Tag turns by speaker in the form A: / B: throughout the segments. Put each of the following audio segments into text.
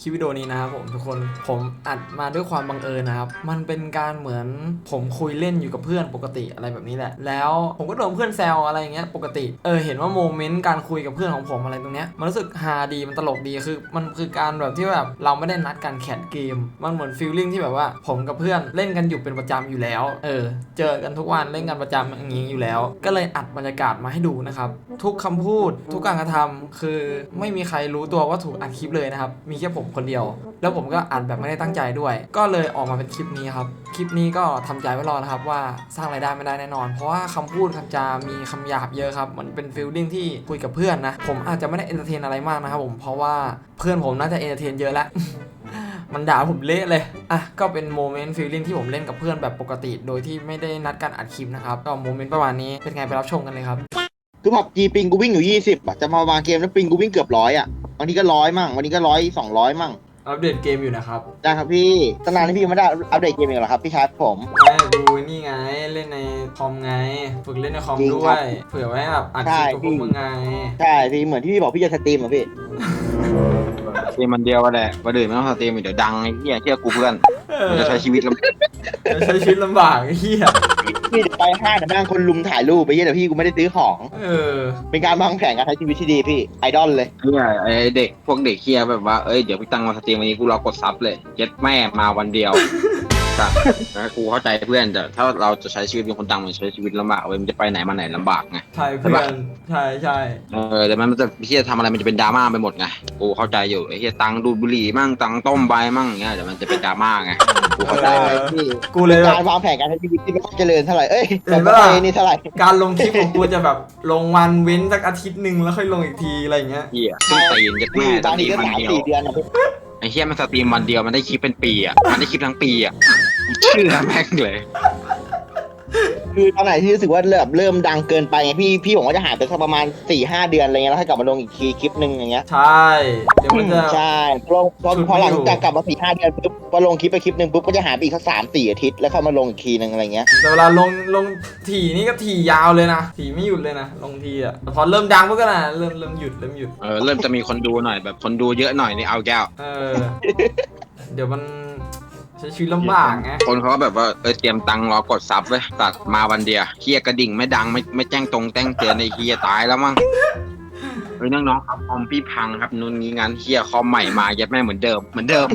A: ลิปวิดีโอนี้นะครับผมทุกคนผมอัดมาด้วยความบังเอิญนะครับมันเป็นการเหมือนผมคุยเล่นอยู่กับเพื่อนปกติอะไรแบบนี้แหละแล้วผมก็โดนเพื่อนแซวอะไรอย่างเงี้ยปกติเห็นว่าโมเมนต์การคุยกับเพื่อนของผมอะไรตรงเนี้ยมันรู้สึกฮาดีมันตลกดีคือมันคือการแบบที่แบบเราไม่ได้นัดกันแข่งเกมมันเหมือนฟีลลิ่งที่แบบว่าผมกับเพื่อนเล่นกันอยู่เป็นประจำอยู่แล้วเจอกันทุกวันเล่นกันประจำอย่างนี้อยู่แล้วก็เลยอัดบรรยากาศมาให้ดูนะครับทุกคำพูดทุกการกระทำคือไม่มีใครรู้ตัวว่าถูกอัดคลิปเลยนะครับมีแค่ผมคนเดียวแล้วผมก็อัดแบบไม่ได้ตั้งใจด้วยก็เลยออกมาเป็นคลิปนี้ครับคลิปนี้ก็ทำใจไว้รอนะครับว่าสร้างรายได้ไม่ได้แน่นอนเพราะว่าคำพูดคำจามีคำหยาบเยอะครับมันเป็นฟีลลิ่งที่คุยกับเพื่อนนะผมอาจจะไม่ได้เอนเตอร์เทนอะไรมากนะครับผมเพราะว่าเพื่อนผมน่าจะเอนเตอร์เทนเยอะแล้ว มันด่าผมเละเลยก็เป็นโมเมนต์ฟีลลิ่งที่ผมเล่นกับเพื่อนแบบปกติโดยที่ไม่ได้นัดกันอัดคลิปนะครับก็โมเมนต์ประมาณนี้เป็นไงไปรับชมกันเลยครับ
B: คือผับจีปิงกูวิ่งอยู่20อ่ะจะมาวางเกมแล้วปิงกูวิ่งเกือบ100อ่ะบางทีก็100มั่งวันนี้ก็100 200มั่ง
A: อัปเดตเกมอยู่นะครับ
B: ได้ครับพี่ตั้งนานที่พี่ไม่ได้อัปเดตเกมอีกเหรอครับพี่ชายผม
A: ไม่ดูนี่ไงเล่นในคอมไงฝึกเล่นในคอมด้วยเผื่อไว้แบบอัดคลิปกับพวกมึงไง
B: ใช่พี่เหมือนที่พี่บอกพี่จะสตรีมอ่ะพี่
C: สตรีมมันเดียวก็ได้วันอื่นไม่ต้องสตรีมเดี๋ยวดังไอ้เหี้ยเชื่อกูเพื่อนมันจะใช้ชีวิตลำ
A: บากไอ้เหี้ย
B: พี่จะไปห้างแต่นั่งคนลุมถ่ายรูปไปเหี้ยแต่พี่กูไม่ได้ซื้อของเป็นการวางแผนการใช้ชีวิตที่ดีพี่ไอดอลเลย
C: เนี่ยไอ้เด็กพวกเด็กเหี้ยแบบว่าเดี๋ยวพี่ตังมาสตรีมวันนี้กูรอกดซับเลยเย็ดแม่มาวันเดียวนะกูเข้าใจเพื่อนแต่ถ้าเราจะใช้ชีวิตเป็นคนดังมันใช้ชีวิตลำบากมันจะไปไหนมาไหนลำบากไง
A: ใช่เพื่อนใช่
C: แต่มันจะเฮียทำอะไรมันจะเป็นดราม่าไปหมดไงกูเข้าใจอยู่ไอ้เฮียตังดูดบุหรี่มั่งตังต้มใบมั่งเงี้ยเดี๋ยวมันจะเป็นดราม่าไงกูเข้าใจ
B: พี่กูเลยการวางแผนการใช้ชีวิตที่ไม่เจริญเท่าไหร่
A: แต่ว่านี่เท่าไหร่การลงคลิปของกูจะแบบลงวันเว้นสักอาทิตย์นึงแล้วค่อยลงอีกทีอะไรเงี้ย
C: เฮียขึ้นตีนจะแม่
B: ตอนนี้ก็3-4 เดือนนะ
C: ไอ้เฮียมันสตรีมวันเดียวมันได้คลิปเป็นปีอ่ะมันได้คลิปทั้งปีอ่ะเชื่อแม่งเลย
B: คือตอนไหนที่รู้สึกว่าเริ่มดังเกินไปไงพี่ผมก็จะหายไปสักประมาณ 4-5 เดือนอะไรเงี้ยแล้วให้กลับมาลงอีกทีคลิปนึงอย่างเงี้ย
A: ใช่เดี๋ยวมันจะ
B: ใช่พอหลังจากกลับมา 4-5 เดือนปุ๊บพอลงคลิปไปคลิปนึงปุ๊บก็จะหายไปอีกสัก 3-4 อาทิตย์แล้วเข้ามาลงอีกทีนึงอะไรเงี้ย
A: แต่เวลาลงถี่นี่ก็ถี่ยาวเลยนะถี่ไม่หยุดเลยนะลงทีอ่ะแต่พอเริ่มดังปุ๊บก็นะเริ่มหยุดเ
C: ริ่มจะมีคนดูหน่อยแบบคนดูเยอะหน่อยนี่เอาแก้ว
A: เดี๋ยวมันใช้ชีวิตลำบากไง
C: คนเขาก็แบบว่าเตรียมตังค์รอกดซับไว้ตัดมาวันเดียวเฮียกระดิ่งไม่ดังไม่แจ้งตรงแจ้งเตือนในเฮียตายแล้วมั้งน้องๆครับคอมพี่พังครับนู่นนี้งั้นเฮียคอมใหม่มายัดแม่เหมือนเดิม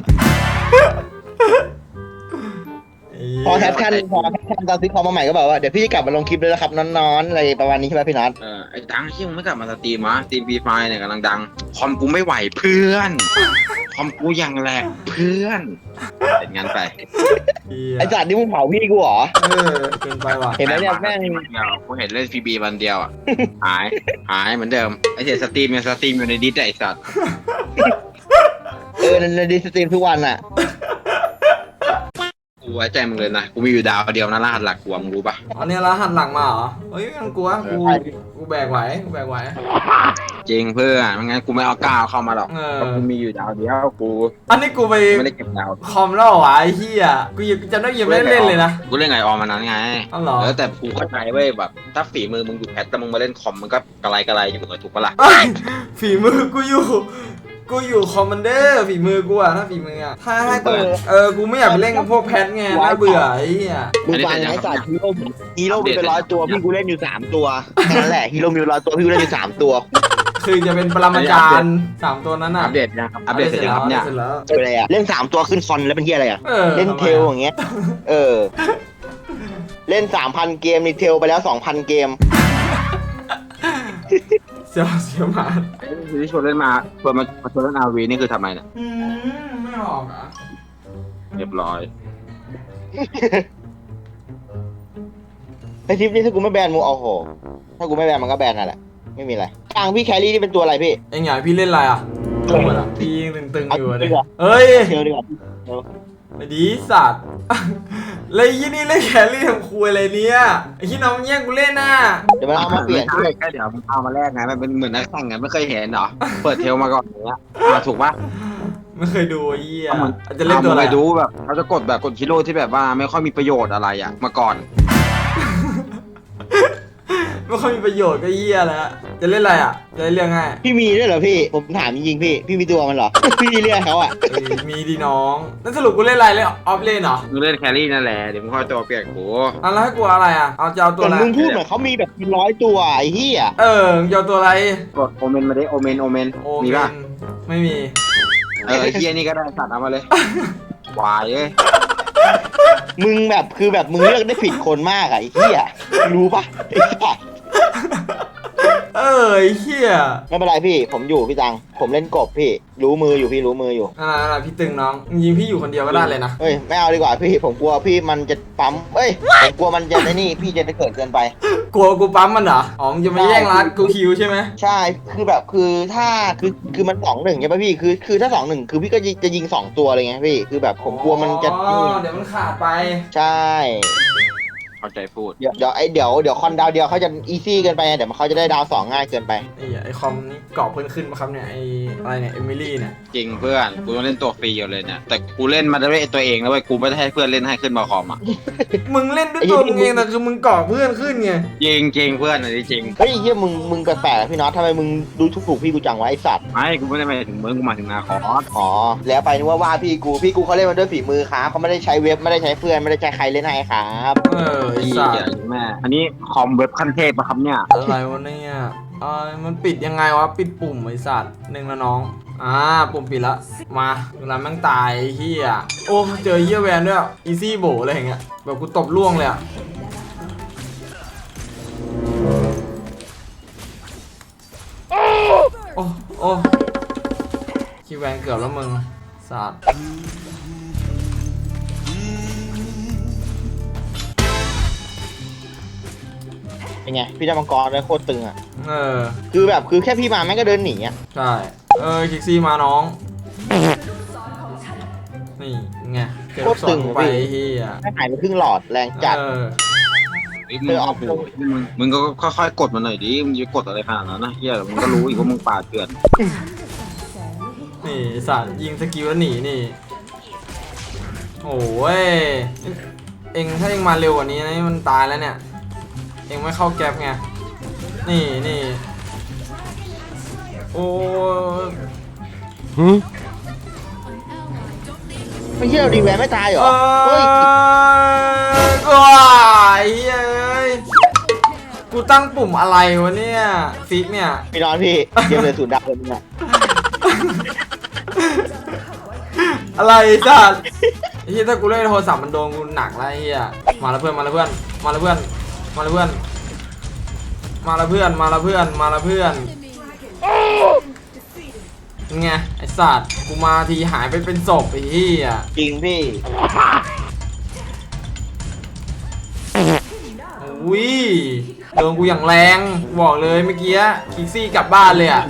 B: พอแคปชั่นตอนซื้อคอมมาใหม่ก็บอกว่าเดี๋ยวพี่จะกลับมาลงคลิปเลยนะครับนอนๆอะไรประมาณนี้ใช่ไหมพี่นัท
C: ไอ้ดังที่มึงไม่กลับมาสตรีมวะสตรีมฟรีไฟเนี่ยกำลังดังคอมกูไม่ไหวเพื่อนคอมกูยังแหลกเพื่อนเป็นงั้นไป
B: ไอ้จัดนี่มึงเผาพี่กูเหรอ
A: เกินไปว่ะ
B: เห็นไหมเนี่ยแม่ง
C: กูเห็นเล่นฟรีบีวันเดียวอ่ะหายเหมือนเดิมไอ้เสียสตรีมอยู่ในดิสไอ้สัตว์
B: ในดิสตรีมทุกวันอ่ะ
C: กูไว้ใจมึงเลยนะกูมีอยู่ดาวเดียวนะรหัสหลักกูมึงรู้ปะ
A: อันนี้รหัสหลังมาเหรอเฮ้ยงั้นกูแบกไหว
C: จริงเพื่อนไม่งั้นกูไม่เอาก้าวเข้ามาหรอกเพราะกูมีอยู่ดาวเดียวกู
A: อันนี้กูไป
C: ไม่ได้เก็บดาว
A: คอมแล้ววะไอ้เหี้ยกูจะได้ยังไม่เล่นเลยนะ
C: กูเล่นไงออมมานั้นไงแต่กูเข้าใจเว้ยแบบถ้าฝีมือมึงอยู่แพทแต่มึงมาเล่นคอมมันก็กระไรอยู่เหมือนถูกปะล่ะ
A: ฝีมือกูอยู่คอมมานเดอร์ฝีมือกูอะถ้าฝีมืออะถ้าให้กูไม่อยากไปเล่นกับพวกแพทไงน่าเบื่อไอ้เหี้ย
B: มึงฟังไอ้สัตว์ฮีโร่มีเป็น100 ตัวพี่กูเล่นอยู่3 ตัวแค่นั้นแหละฮีโร่มี100 ตัวพี่กูเล่นอยู่3 ตัว
A: คือจะเป็นปรมาจารย์3 ตัวนั้นอะ
C: อัปเดตนะครับอัปเดตเสร็จแล้วเนี่ย
B: อะไรอะเล่น3 ตัวขึ้นฟอนแล้วเป็นเหี้ยอะไรอะเล่นเทลอย่างเงี้ยเล่น 3,000 เกมนี่เทลไปแล้ว 2,000 เกม
A: เสียวมา
C: ที่ชวนเล่นมาเปิดมาชวนเล่นอาวีนี่คือทำไมเนี่ย
A: ไม่ออกอ่ะ
C: เรียบร้อย
B: ไอทิปนี่ถ้ากูไม่แบนมึงโอ้โหถ้ากูไม่แบนมันก็แบนนั่นแหละไม่มีอะไรกลางพี่แครี่นี่เป็นตัวอะไรพี่
A: ไอ้ใหญ่พี่เล่นอะไรอ่ะพี่ยังตึงอยู่เลยเฮ้ย
B: เทลดีกว่า
A: ไม่ดีสัตว์เลยยี่นี่เล่นแครี่ทำคุยอะไรเนี่ยไอ้ที่น้องแย่งกูเล่นน่ะ
B: เดี๋ยวมันเอามาเปลี่ยน
C: แค่เดี๋ยวมันเอามาแลกไงมันเป็นเหมือนนักแข่งไงไม่เคยเห็นหรอเปิดเทลมาก่อนอย่างเงี้ยถูกปะ
A: ไม่เคยดูไอ้เหี้ยจะเล่นตัวอะไร
C: ดูแบบเขาจะกดฮีโร่ที่แบบว่าไม่ค่อยมีประโยชน์อะไรอ่ะมาก่อน
A: ไม่ค่อยมีประโยชน์ก็เหี้ยแล้วจะเล่นอะไรอ่ะจะเรียกง่าย
B: พี่มีด้วยเหรอพี่ผมถามจริงๆพี่มีตัวมันเหรอ พี่เรียกเขาอ่ะ
A: มีดีน้องแล้วสรุปกูเล่นอะไรเล่นออฟเลนเหรอ
C: มึงเล่นแครี่นั่นแหละเดี๋ยวมึงค่อยตัวเปียกกู
A: อ่ะแล้วให้กูอะไรอ่ะเอาจะเอาตัว
B: แต่
A: อะไร
B: มึงพูดเหมือนเขามีแบบเป็น100ตัวไอ้เหี้ย
A: มึงจะเอาตัวอะไร
C: กดโอเมนมาดิโอเมน
A: โอ
C: มี
A: เม
C: ป่ะ
A: นไม่มี
C: ไอ้เฮียนี่ก็ได้สัตว์เอามาเลยควายเอ้ย
B: มึงแบบคือแบบมึงเลือกได้ผิดคนมากอะไอ้เหี้ยรู้ปะไอ้สัส
A: ไอ้เหี้ย
B: ไม่เป็นไรพี่ผมอยู่พี่ตังผมเล่นกบพี่รู้มืออยู่พี่รู้มืออยู่
A: อะไรพี่ตึงน้องยิงพี่อยู่คนเดียวก็ได้เลยนะ
B: เฮ้ยไม่เอาดีกว่าพี่ผมกลัวพี่มันจะปั๊มเอ้ยผมกลัวมันจะไอ้นี่พี่จะเกิดเกินไป
A: กลัวกูปั๊มมันเหรออ๋อมึงจะมาแย่งรัดกูคิวใช่ไหม
B: ใช่คือแบบคือถ้าคือมัน2-1ใช่ปะพี่คือถ้า2-1คือพี่ก็จะยิง2ตัวเลยไงพี่คือแบบผมกลัวมันจะ
A: อ๋อเดี๋ยวมันขาดไป
B: ใช่
C: เข้าใจพูด
B: เดี๋ยวคอนดาวเดียวเขาจะอีซี่เกินไปไงเดี๋ยวเขาจะได้ดาว2ง่ายเกินไป
A: ไอคอมนี่กรอบเพิ่นขึ้นมาครับเนี่ยไออะไรเนี่ยเอมิลี่เนี่ย
C: จริงเพื่อนกูต้องเล่นตัวฟรีอยู่เลยเนี่ยแต่กูเล่นมาด้วยตัวเองแล้วเว้ยกูไม่ได้ให้เพื่อนเล่นให้ขึ้นมาคอมอ่ะ
A: มึงเล่นด้วยตัวมึงเองแต่คือมึงกรอบเพื่อนขึ้นไง
C: จริงเพื่อนอันนี้จริง
B: เฮ้ยเฮียมึงแปลกๆอะพี่น็อตทำไมมึงดูถูกพี่กูจังวะไอสัตว์
C: ไม่กูไม่ได้หมายถึงมึงกูหมายถึงนาคอส
B: อ๋อแล้วไปนึกว่าพี่กูเขาเล่นมาด้วยฝีมือครับเขาไม่ได้ใช้เว็บไม่ได้ใช้เพื่อนไม่ได้ใช้ใครเล่นให้ครับ
A: ไอ
C: พี่
A: สัต
C: อย่า
A: ว์
C: แม่อันนี้คอมเว็บขั้นเทพปะครับเนี่ย
A: อะไรวะเนี่ยมันปิดยังไงวะปิดปุ่มไอสัตว์หนึ่งละน้องปุ่มปิดละมาเวลาแม่งตายไอ้เฮียโอ้เจอเฮียแวนด้วยอีซี่โบอะไรอย่างเงี้ยแบบกูตบล่วงเลยอะโอ้คิวแวนเกือบแล้วมึงสัตว์
B: เป็นไงพี่ได้มังกรได้โคตรตึงอ่ะ
A: เออ
B: คือแค่พี่มาแม่งก็เดินหนีอ่ะ
A: ใช่คิกซี่มาน้อง นี่ไงเก็บสอนไปเฮีย
B: แม่งหายไปครึ่งหลอดแรงจัด
C: มึงก็ค่อยๆกดมาหน่อยดิมึงจะกดอะไรขนาดนั้นนะเฮียมึงก็รู้อีกว่ามึงป่าเถื่อน
A: นี่สัตว์ยิงสกิลแล้วหนีนี่โอ้ยเองถ้าเองมาเร็วกว่านี้นะมันตายแล้วเนี่ยเองไม่เข้าแก๊ปไงนี่โอ้
B: ไม่เชื่อดีแวนไม่ตายเหรอเฮ้ย
A: ว้ายเฮ้ยกูตั้งปุ่มอะไรวะเนี่ยฟิกเนี่ย
B: พี่นอนพี่เกมเลย0 ดาวเลยมึงอ่ะ
A: อะไรจ้าไอ้เหี้ยถ้ากูเล่นโทรศัพท์มันโดนกูหนักแล้วไอ้เหี้ยมาแล้วเพื่อนไงไอ้สัตว์กูมาทีหายไปเป็นศพไอ้เหี้ย
B: จริงพี่
A: อุ้ยโดนกูอย่างแรงบอกเลยเมื่อกี้คิกซี่กลับบ้านเลยอ่ะ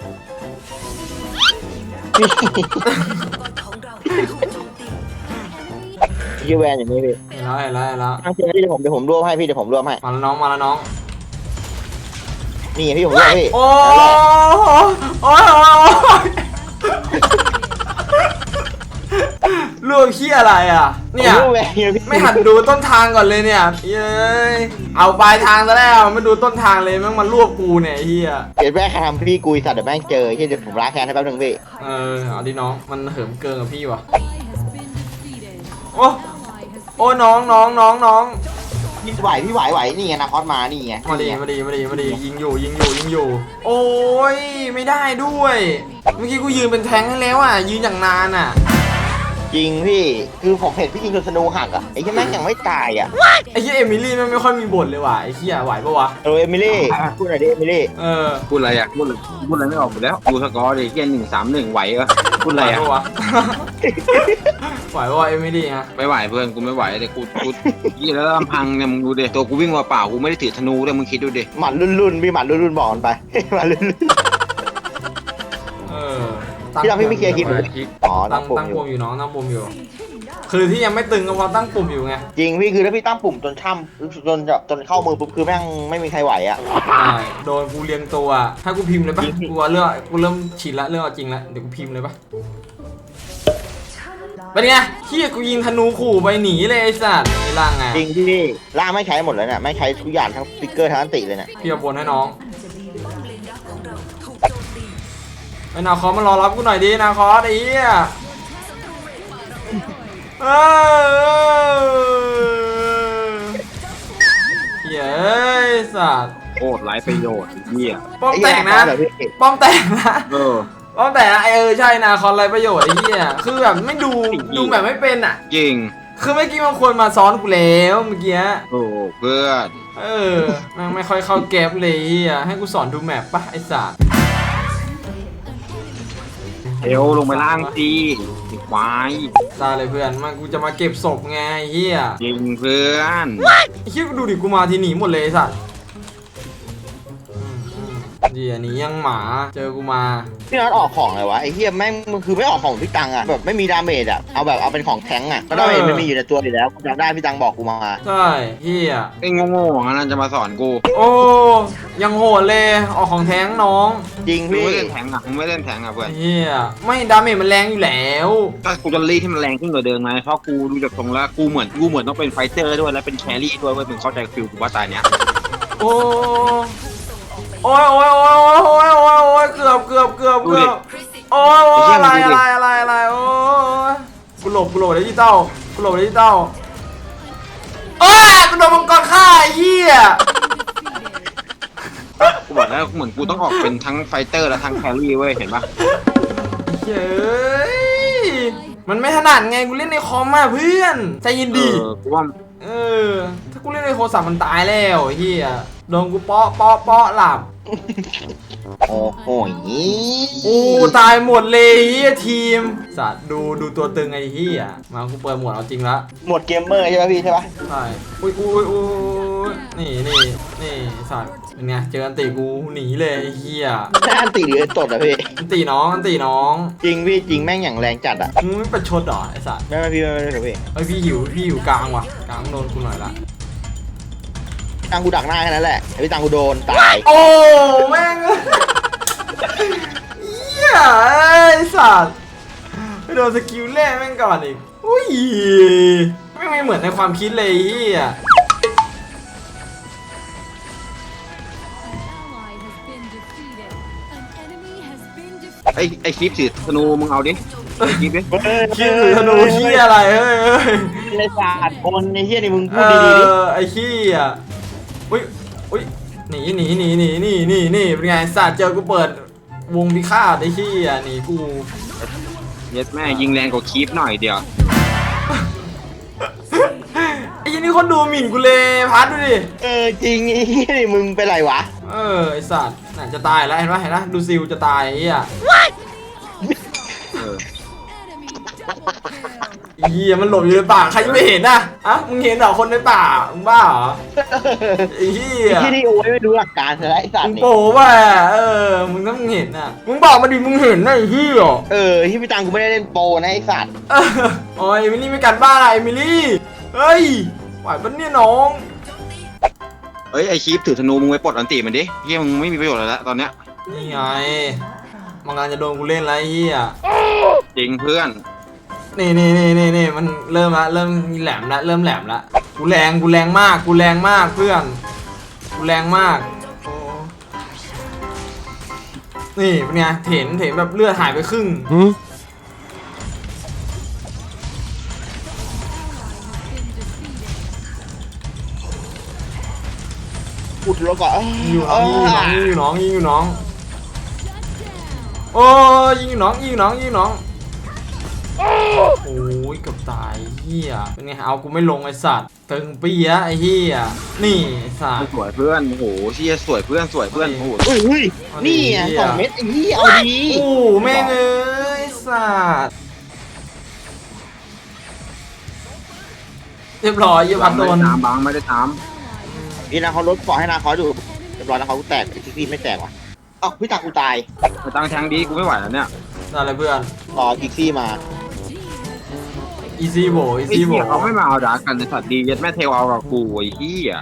B: ยี่แวนอย่างนี้พี่
A: เห็นแล้ว
B: ตั้งใจที่เดี๋ยวผมรวบให้พี่เดี๋ยวผมรวบให้
A: มาแล้วน้อง
B: นี่พี่ผมรวบพี่
A: โอ้ยลวกขี้อะไรอ่ะเนี่ย
B: ผมรวบแวนพี่
A: ไม่หัดดูต้นทางก่อนเลยเนี่ยเย้ยเอาปลายทางซะแล้วไม่ดูต้นทางเลยแม่งมันลวกกูเนี่ยเฮีย
B: เดี๋ยวแม่งทำพี่กุยสัตว์เดี๋ยวแม่งเจอที่เดี๋ยวผมล้างแค้นให้แป๊บนึงพี่
A: เอาดิน้องมันเหิมเกินกับพี่วะโอ้น้อง
B: พี่ไหวนี่ไงนะคอสมานี่ไง
A: มาดียิงอยู่โอ้ยไม่ได้ด้วยเมื่อกี้กูยืนเป็นแทงค์ให้แล้วอ่ะยืนอย่างนานอ่ะ
B: จริงพี่คือผมเห็นพี่ยิงจนสนูหักอ่ะไอ้ที่แม่งยังไม่ตายอ่ะ
A: ไอ้เหี้ยเอมิลี่มันไม่ค่อยมีบ่นเลยว่ะไอ้เหี้ยไหวปะวะ
B: เอมิลี่พูดหน่อยดิเอมิลี่
C: พูดอะไรอ่ะพูดอะไรไม่ออกหมดแล้วดูสกอร์ดิเฮีย1-3-1ไหวเหรอพูดอะไรอ่ะ
A: ไหวปะวะเอมิลี่ฮะ
C: ไม่ไหวเพื่อนกูไม่ไหวแต่กูยี่แล้วลำพังเนี่ยมึงดูดิตัวกูวิ่งมาเปล่ากูไม่ได้ถือธนูเลยมึงคิดดูดิ
B: หมัดรุ่นพี่หมัดรุ่นบอกกันไป หมัดรุ่น พี่เราพี่ไม่เคลียร์คลิปเลยอ๋อตั้งปุ่ม
A: ตั้ง
B: อยู่
A: ปุ่มอยู่น้องตั้งปุ่มอยู่ คือที่ยังไม่ตึงก็เพราะตั้งปุ่มอยู่ไง
B: จริงพี่คือถ้าพี่ตั้งปุ่มจนจนเข้ามือปุ๊บคือแม่งไม่มีใครไหวอ่ะ
A: ใช่โดนกูเรียงตัวให้กูพิมพ์เลยปะกูเริ่มชินละเริ่มเอาจริงละเดี๋ยวกูพิมพ์เลยปะเป็นไงเฮียกูยิงธนูขู่ไปหนีเลยไอ้สัตว์ไอ้ล่างไง
B: จริงพี่ล่าไม่ใช้หมดเลยเนี่ยไม่ใช้ทุกอย่างทั้งสติ๊กเกอร์ทั้งอันติเลยเนี่ย
A: พี่เอาบนให้น้องไอ้นาคอสมารอรับกูหน่อยดินาคอสไอ้เหี้ยเฮ้ยสัตว์
C: โคตรไร้ประโยชน์เหี้ย
A: ป้อมแตกนะป้อมแตกนะ
C: เออ
A: ป้อมแตกนะใช่นาคอสไรประโยชน์ไอ้เหี้ยคือแบบไม่ดูแบบไม่เป็นอ่ะ
C: จริง
A: คือเมื่อกี้มันควรมาซ้อนกูแล้วเมื่อกี้
C: โอ้เพื่อน
A: แม่งไม่ค่อยเข้าเก็บเลยเฮียให้กูสอนดูแมปปะไอ้สัส
C: เอวลงไปล่างสิไอ้ควาย
A: ตายเลยเพื่อนมากูจะมาเก็บศพไงเฮีย
C: จริงเพื่อน
A: ไอ้เฮียกูดูดิกูมาทีหนีหมดเลยไอ้สัสเดี๋ยวหนียังหมาเจอกูมา
B: พี่น็อตออกของเลยวะไอ้เหี้ยแม่งมันคือไม่ออกของพี่ตังอะแบบไม่มีดาเมจอะเอาแบบเอาเป็นของแทงอะก็ดาเมจมันมีอยู่ในตัวอยู่แล้วกูจำได้พี่ตังบอกกูมา
A: ใช่เฮีย
C: ไอ้โง่ๆของนั้นจะมาสอนกู
A: โอ้ยังโหดเลยออกของแท้งน้อง
B: จริง
C: มึง
B: พี่
C: ไม่เล่นแทงอ่ะมึงไม่เล่นแทงอ่ะเพื่อน
A: เฮียไม่ดาเมจมันแรงอยู่แล้ว
C: ถ้ากูจะรีดให้มันแรงขึ้นกว่าเดิมไงเพราะกูดูจากตรงแล้วกูเหมือนต้องเป็นไฟเตอร์ด้วยแล้วเป็นแครี่ด้วยเว้ยมึงเข้าใจฟิลกูว่าตายเนี้ย
A: โอ้โอ้ยโอ้ยโอ้ยโอ้ยโอ้ยโอ้ยเกือบโอ้ยโอ้ยอะไรโอ้ยกูหลบดิจิตอลโอ้ยกูโดนมังกรฆ่าไอ้เหี้ย
C: กูบอกแล้วเหมือนกูต้องออกเป็นทั้งไฟเตอร์และทั้งแครี่เว้ยเห็นปะ
A: เฮ้ยมันไม่ถนัดไงกูเล่นในคอมมาเพื่อนใจเย็นดี
C: กูว่า
A: ถ้ากูเล่นในโทรศัพท์มันตายแล้วไอ้เหี้ยโดนกูเปาะหลับ
B: โอ้โห
A: โอ้ตายหมดเลยเฮียทีมสัตว์ดูตัวตึงไอ้เฮียมากูเปิดหมวดเอาจริงละ
B: หมดเกมเมอร์ใช่ป่ะพี่ใช่ป่ะ
A: ใช่อุ้ยนี่สัตว์เป็นไงเจออันตีกูหนีเลยไอ้เฮีย
B: หน้าอันตีหรือตดอะพี่
A: อันตีน้อง
B: จริงพี่จริงแม่งอย่างแรงจัดอะ
A: มึงไม่ประชดหรอไอ้สัตว์
B: ไม่พี่ไม่พี่
A: ไอ้ยพี่หิวกลางว่ะกลางโดนกูหน่อยละ
B: ตังกูดักหน้าแค่นั้นแหละไอ้พี่ตังกูโดนตาย
A: โอ้แม่งเฮียไอ้สัตว์ไปโดนสกิลแรกแม่งก่อนอีกอุ้ยไม่เหมือนในความคิดเลยเฮีย
C: ไอ้คลิปสีธนูมึงเอาดิไอ้คลิปดิ
A: คิดหรือธนูเฮียอะไรเฮ้ย
B: ในศาสตร์คนในเฮียนี่มึง
A: เอ
B: พูดดีๆดิ
A: ไอ้ขี้อ่ะอุ้ยหนีเป็นไงสัตว์เจอกูเปิดวงพิฆาตไอ้ขี้อ่ะหนีกู
C: เย็ดแม่ยิงแรงกว่าคลิปหน่อยเดียว
A: ไอ้ยี่นี่คนดูหมิ่นกูเลยพัดดูดิ
B: จริงไอ้เฮียนี่มึงเป็นไรวะ
A: ไอ้สัตว์น่าจะตายแล้วเห็นปะดูซิลจะตายไอ้เหี้ย
C: เออ
A: ไอ้เหี้ยมันหลบอยู่ในป่าใครจะไม่เห็นน่ะมึงเห็นเหรอคนในป่ามึงบ้าเหรอไอ้เหี้ย
B: ไอ้เฮียนี่โอ้ยไม่ดูหลักการเลยไอ้สัต
A: มึ
B: ว์
A: ง
B: นี่
A: โป้ป่ะมึงต้องเห็นน่ะมึงบอกมาดิมึงเห็นน่ะไอ้เหี้ย
B: ที่พี่ตังกูไม่ได้เล่นโปรนะไอ้สัตว์
A: โอ้ยเอมิลี่ไม่กันบ้าอะไรเอมิลี่เฮ้ยไหวปะเนี่ยน้อง
C: เอ้ยไอ้คลิปถือธนูมึงไปปลดอันติมันดิเฮียมึงไม่มีประโยชน์อะไรแล้วตอนเนี้ย
A: นี่ไงมันกำลังจะโดนกูเล่นแล้วไอ้เหี้ย
C: จริงเพื่อน
A: นี่มันเริ่มแหลมละเริ่มแหลมละกูแรงมากเพื่อนกูแรงมากโอ้นี่เป็นไงเห็นแบบเลือดหายไปครึ่ง
B: อุดแล้วก็
A: ยิงอยู่น้องโอ้ยิงอยู่น้องโอ้ยเกือบตายเฮียเป็นไงเอากูไม่ลงไอ้สัตว์ตึงปียะไอ้เฮียนี่ไอ้สัตว์
C: สวยเพื่อนโอ้โหเชี่ยสวยเพื่อนโอ้โห
B: เฮ้ยนี่ไง2 เม็ดไอ้เหี้ยเอาดี
A: โอ้แม่งเอ้ยไอ้สัตว์เรียบร้อยยี่พันโดน
C: บังไม่ได้ตาม
B: นี่นะเขาลดปล่อยให้นาคอดูเรียบร้อยนะเขาแตกพี่ไม่แตกว่ะพี่ตังกูตาย
C: มาตั้งแทงดีกูไม่ไหวแล้วเนี่ย
A: นั่นเลยเพื่อน
B: รอกิกซี่มา
A: อีซี่โบ
C: ไอ้เหี้ยเขาไม่มาเอาดากันในสัตว์ดีเย็ดแม่เทวเอากับกูไอ้เหี้ย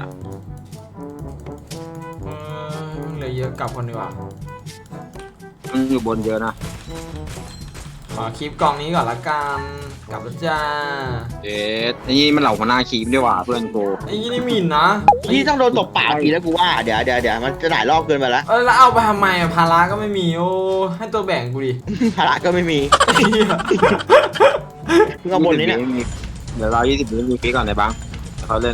A: เหลยเยอะกลับคนดีกว่า
C: มันอยู่บนเยอะนะ
A: ขอคลิปกล่องนี้ก่อนละกัน
B: โ
A: กลับแล้วจ้า
C: เอ๊ะไอ้นี่มันเหล่าหัวหน้าคีมด้วยว่ะเพื่อนกู
A: ไอ้นี่หมิ่นนะ
B: พี่ต้องโดนตบปากทีแล้วกูว่าเดี๋ยวมันจะหลายรอบเกินไปแล้ว
A: แล้วเอาไปทำไมอะภาระก็ไม่มีโอ้ให้ตัวแบ่งกูดิ
B: ภาระก็ไม่มี
A: ไอ้เหี้ย
B: เพิ่งเอาบนนี้เนี่ย
C: เดี๋ยวเรา20 วิมีฟีก่อนในบ้างเขาเล่น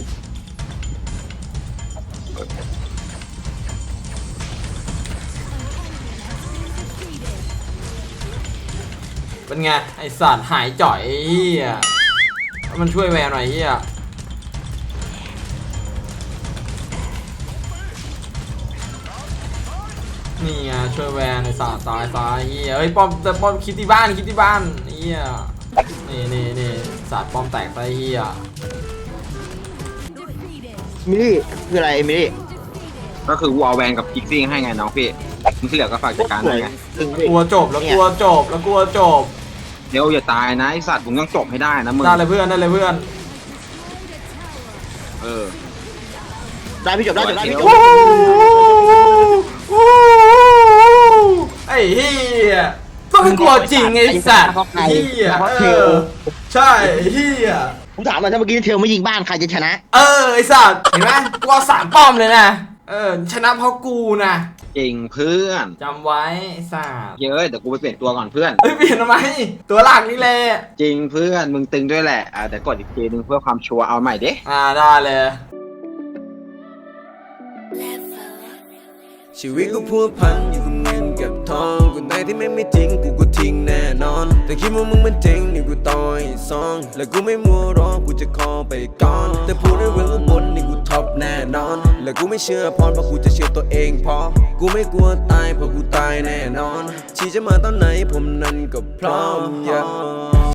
A: เป็นไงไอสัตว์หายจ่อยไอ้เฮียมันช่วยแวร์หน่อยเฮียนี่ไงช่วยแวร์ในอยสัตว์ตายซ้ายเฮียเฮ้ยป้อมแต่ป้อมคิดที่บ้านเฮียนี่สัตว์ป้อมแตกไปเฮีย
B: มิลลี่คืออะไรมิลลี่
C: ก็คือวอลแวนกับกิกซิ่งให้ไงน้องพี่มึงที่เหลือก็ฝากจัดการได้ไง
A: กลัวจบแล้วกลัวจบ
C: เดี๋ยวอย่าตายนะไอสัตว์มึงต้องจบให้ได้นะมึง
A: ได้เลยเพื่อน
C: เออ
B: ได้พี่จบได้พี่จบ
A: ไอ้เฮียต้องกลัวจริงไอ้สัตว์เฮียใช่เฮีย
B: ผมถามมาถ้าเมื่อกี้เทลไม่ยิงบ้านใครจะชนะ
A: ไอ้สัตว์เห็นไหมกูเอา3 ป้อมเลยนะชนะเพราะกูนะ
C: จริงเพื่อน
A: จำไว้ไอ้สัตว์
C: เยอะเดี๋ยวกูไปเปลี่ยนตัวก่อนเพื่อน
A: เปลี่ยนทำไมตัวหลักนี่แหละ
C: จริงเพื่อนมึงตึงด้วยแหละแต่กดอีกทีนึงเพื่อความชัวร์เอาใหม่เด้
A: ได้เลย
D: ชีวิตกูพัวพันอยู่กับเงินกับทองกูไหนที่แม่งไม่จริงกูก็ทิ้งแน่นอนแต่คิดว่ามึงมันจริงนี่กูต่อยซองและกูไม่มัวรอกูจะคอไปก่อนแต่พูดได้เรื่องว่าบนนี่กูท็อปแน่นอนและกูไม่เชื่อพรเพราะกูจะเชื่อตัวเองพอกูไม่กลัวตายเพราะกูตายแน่นอนชีจะมาตอนไหนผมนั้นก็พร้อม